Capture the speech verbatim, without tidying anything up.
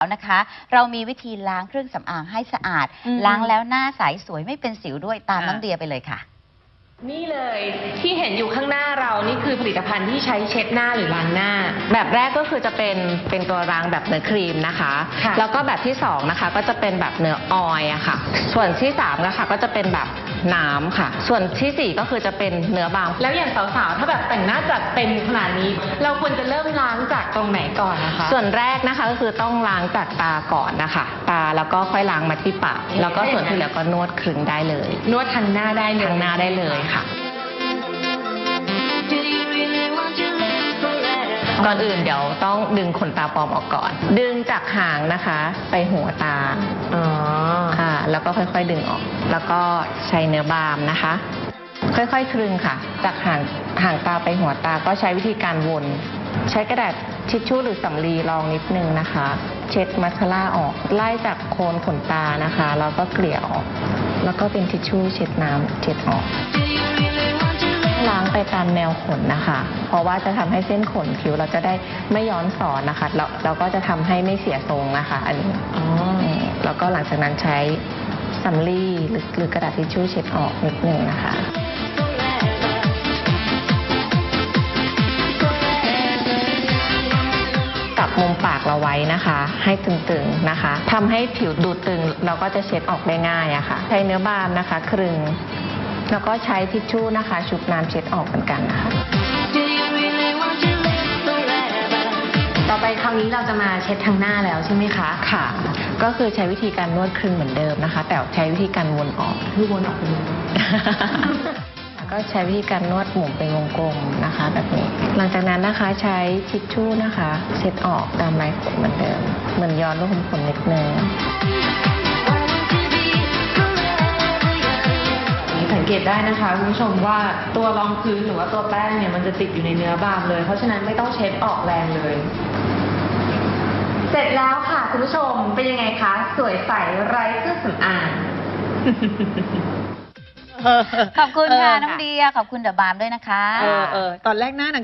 นะคะเรามีวิธีล้างเครื่องสำอางให้สะอาดล้างแล้วหน้าใสสวยไม่เป็นสิวด้วยตามน้องเดียไปเลยค่ะนี่เลยที่เห็นอยู่ข้างหน้าเรานี่คือผลิตภัณฑ์ที่ใช้เช็ดหน้าหรือล้างหน้าแบบแรกก็คือจะเป็นเป็นตัวล้างแบบเนื้อครีมนะคะแล้วก็แบบที่สองนะคะก็จะเป็นแบบเนื้อออยล์อะค่ะส่วนที่สามนะคะก็จะเป็นแบบน้ำค่ะส่วนที่สี่ก็คือจะเป็นเนื้อบางแล้วอย่างสาวๆถ้าแบบแต่งหน้าจัดเต็มขนาดนี้เราควรจะเริ่มล้างจากตรงไหนก่อนนะคะส่วนแรกนะคะก็คือต้องล้างจากตาก่อนนะคะตาแล้วก็ค่อยล้างมาที่ปากแล้วก็ส่วนที่เหลือก็นวดคลึงได้เลยนวดทางหน้าได้เลยทางหน้าได้เลยค่ะก่อนอื่นเดี๋ยวต้องดึงขนตาปลอมออกก่อน ดึงจากหางนะคะไปหัวตาอ๋อค่ะแล้วก็ค่อยๆดึงออกแล้วก็ใช้เนื้อบาล์มนะคะค่อยๆคลึงค่ะจากหางหางตาไปหัวตาก็ใช้วิธีการวนใช้กระดาษทิชชู่หรือสำลีรองนิดนึงนะคะเช็ดมัสคาร่าออกไล่จากโคนขนตานะคะแล้วก็เกลี่ยออกแล้วก็เป็นทิชชู่เช็ดน้ำเช็ดออกล้างไปตามแนวขนนะคะเพราะว่าจะทำให้เส้นขนผิวเราจะได้ไม่ย้อนสอนนะคะแล้วเราก็จะทำให้ไม่เสียทรงนะคะอันนี้อ๋อแล้วก็หลังจากนั้นใช้สำลีหรือหรือกระดาษทิชชู่เช็ดออกนิดนึงนะคะจับมุมปากเราไว้นะคะให้ตึงๆนะคะทำให้ผิวดูตึงเราก็จะเช็ดออกได้ง่ายอะค่ะใช้เนื้อบาล์มนะคะครึงแล้วก็ใช้ทิชชู่นะคะชุบน้ำเช็ดออกเหมือนกันนะคะต่อไปคราวนี้เราจะมาเช็ดทางหน้าแล้วใช่ไหมคะค่ะก็คือใช้วิธีการนวดคลึงเหมือนเดิมนะคะแต่ใช้วิธีการวนออกคือวนออกเป็นวงกลมก็ใช้วิธีการนวดหมุนเป็นวงกลมนะคะแบบนี้หลังจากนั้นนะคะใช้ทิชชู่นะคะเช็ดออกตามลายขนเหมือนเดิมเหมือนย้อนลูกขุมขนนิดนึงสังเกตได้นะคะคุณผู้ชมว่าตัวรองพื้นหรือว่าตัวแป้งเนี่ยมันจะติดอยู่ในเนื้อบาล์มเลยเพราะฉะนั้นไม่ต้องเช็ดออกแรงเลยเสร็จแล้วค่ะคุณผู้ชมเป็นยังไงคะสวยใสไร้เครื่องสำอางขอบคุณค่ะน้องเดียขอบคุณเดอะบาล์มด้วยนะคะเออเออตอนแรกหน้า